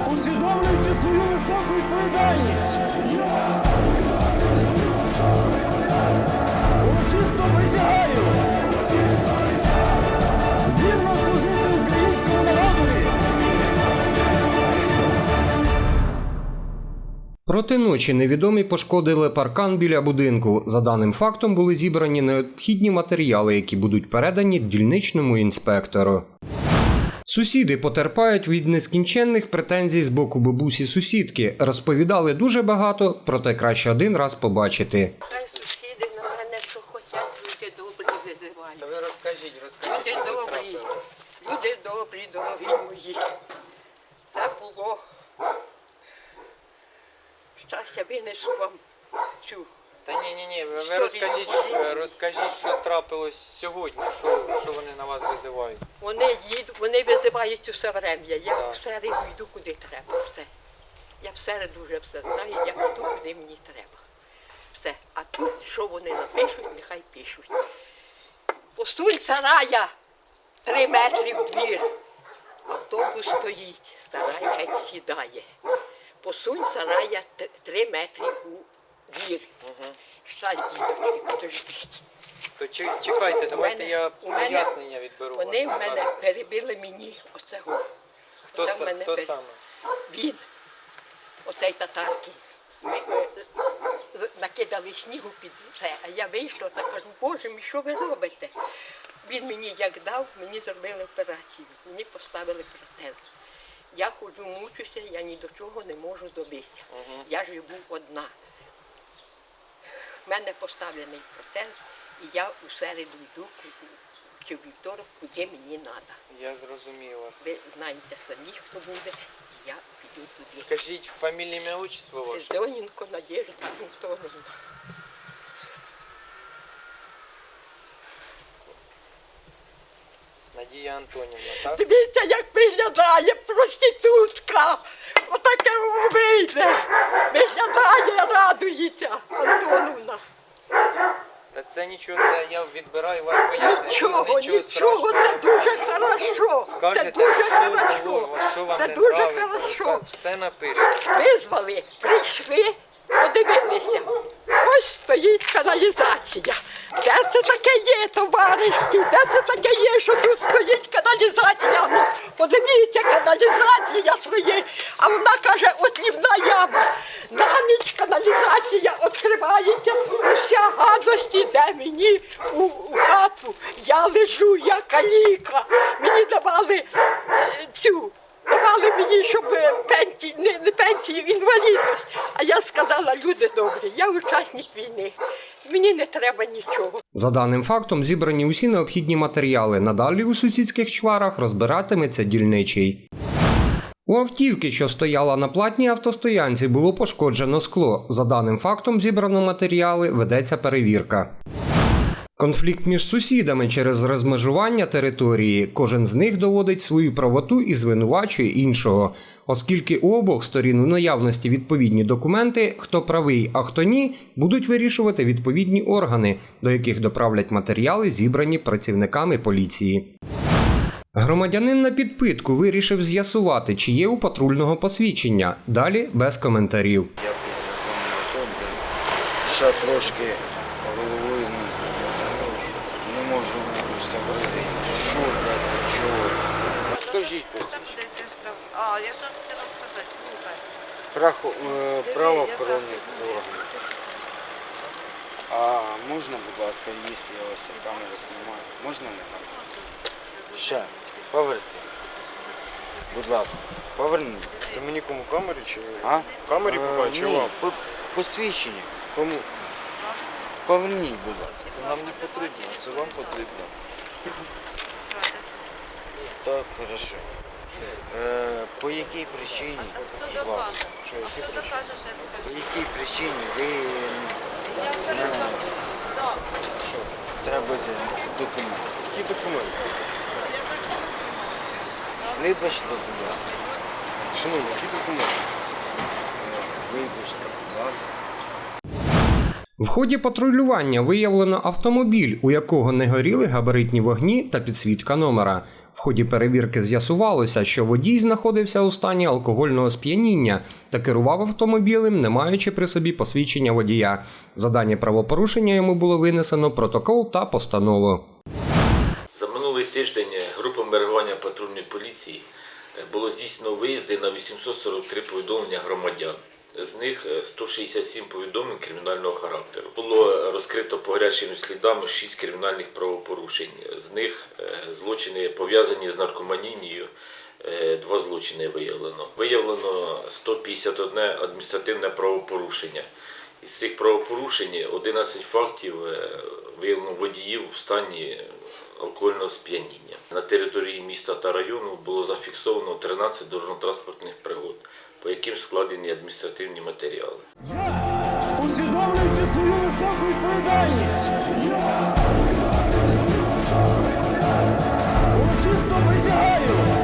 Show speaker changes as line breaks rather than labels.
усвідомлюючи свою високу відповідальність, урочисто присягаю вірно служити українському народові.
Проти ночі невідомі пошкодили паркан біля будинку. За даним фактом були зібрані необхідні матеріали, які будуть передані дільничному інспектору. Сусіди потерпають від нескінченних претензій з боку бабусі-сусідки. Розповідали дуже багато, проте краще один раз побачити.
Хай сусіди на мене, що хочуть, люди добрі визивають.
Ви розкажіть.
Люди добрі, дорогі мої. Це було. Щастя винесу вам цю.
Та ні, ви
Історію.
розкажіть, що трапилось сьогодні, що вони на вас визивають.
Вони визивають усе врем'я. Я
Так.
в середу йду, куди треба. Все. Я в середу вже все знаю, я йду, куди мені треба. Все. А тут, що вони напишуть, нехай пишуть. Посунь сарая 3 метри в двір. Автобус стоїть, сарай геть сідає. Посунь сарая 3 метри у двір. Щас, дідочки, подождіть.
То чекайте, давайте я
у мене-
пояснення відберу.
Вони
вас.
в мене перебили мені оцього.
Хто
Оце в мене
саме?
Він, оцей татарки. Накидали снігу під це, а я вийшла та кажу, Боже мій, що ви робите? Він мені як дав, мені зробили операцію, мені поставили протез. Я ходжу, мучуся, я ні до чого не можу добитися. Я живу одна. В мене поставлений протез, і я у середу йду, чи в вівторок, куди мені треба.
Я зрозумів вас.
Ви знаєте самі, хто буде, я піду туди.
Скажіть фамілія, ім'я, отчество ваше.
Сидоненко Надежда Антоновна.
Надія Антонівна, так?
Дивіться, як виглядає проститутка. Отаке вийде. Виглядає, радується Антоновна.
Та це нічого, це я відбираю вас пояснення.
Нічого, нічого, це дуже хорошо. Це
Скажете,
дуже
що було,
хорошо.
що вам
Це
не
дуже
нравиться,
хорошо.
все напишете.
Визвали, прийшли, подивилися. Ось стоїть каналізація. Де це таке є, товариші? Де це таке є, що тут стоїть каналізація? Ну, подивіться, каналізація своє. А вона каже, от лівна яма. На ніч каналізація відкривається, вся гадость іде мені у хату. Я лежу, я каліка. Мені давали давали мені, щоб пенсію, не пенсію, інвалідність. А я сказала, люди добрі, я учасник війни, мені не треба нічого.
За даним фактом зібрані усі необхідні матеріали. Надалі у сусідських чварах розбиратиметься дільничий. У автівки, що стояла на платній автостоянці, було пошкоджено скло. За даним фактом зібрано матеріали, ведеться перевірка. Конфлікт між сусідами через розмежування території. Кожен з них доводить свою правоту і звинувачує іншого. Оскільки у обох сторін у наявності відповідні документи, хто правий, а хто ні, будуть вирішувати відповідні органи, до яких доправлять матеріали, зібрані працівниками поліції. Громадянин на підпитку вирішив з'ясувати, чи є у патрульного посвідчення. Далі без коментарів.
Я після зони АТО, ще трошки головою не можу сообразити, що, чого. Скажіть посвідчення.
А, я що хотіла сказати, слухай.
Правоохоронних органів. А можна, будь ласка, якщо я ось камеру знімаю, можна не там? Ще, поверте. Будь ласка, поверніть.
Це мені кому камері чи
А?
камері побачив?
Ні,
Вам?
посвідчення. Кому? Поверніть, будь ласка.
Нам не потрібно, це вам потрібно.
Так, хорошо. По якій причині, будь ласка,
Хто докаже, що я
по якій причині ви з мене требуєте документи?
Які документи?
Вибачте, будь ласка.
Шановні, які документи?
Вибачте, будь ласка.
В ході патрулювання виявлено автомобіль, у якого не горіли габаритні вогні та підсвітка номера. В ході перевірки з'ясувалося, що водій знаходився у стані алкогольного сп'яніння та керував автомобілем, не маючи при собі посвідчення водія. За дані правопорушення йому було винесено протокол та постанову.
За минулий тиждень групами реагування патрульної поліції було здійснено виїзди на 843 повідомлення громадян. З них 167 повідомлень кримінального характеру. Було розкрито по гарячим слідам 6 кримінальних правопорушень. З них злочини пов'язані з наркоманією, 2 злочини виявлено. Виявлено 151 адміністративне правопорушення. Із цих правопорушень 11 фактів виявлено водіїв в стані алкогольного сп'яніння. На території міста та району було зафіксовано 13 дорожньо-транспортних пригод, по яким складені адміністративні матеріали.
Усвідомлюючи свою високу відповідальність, я урочисто присягаю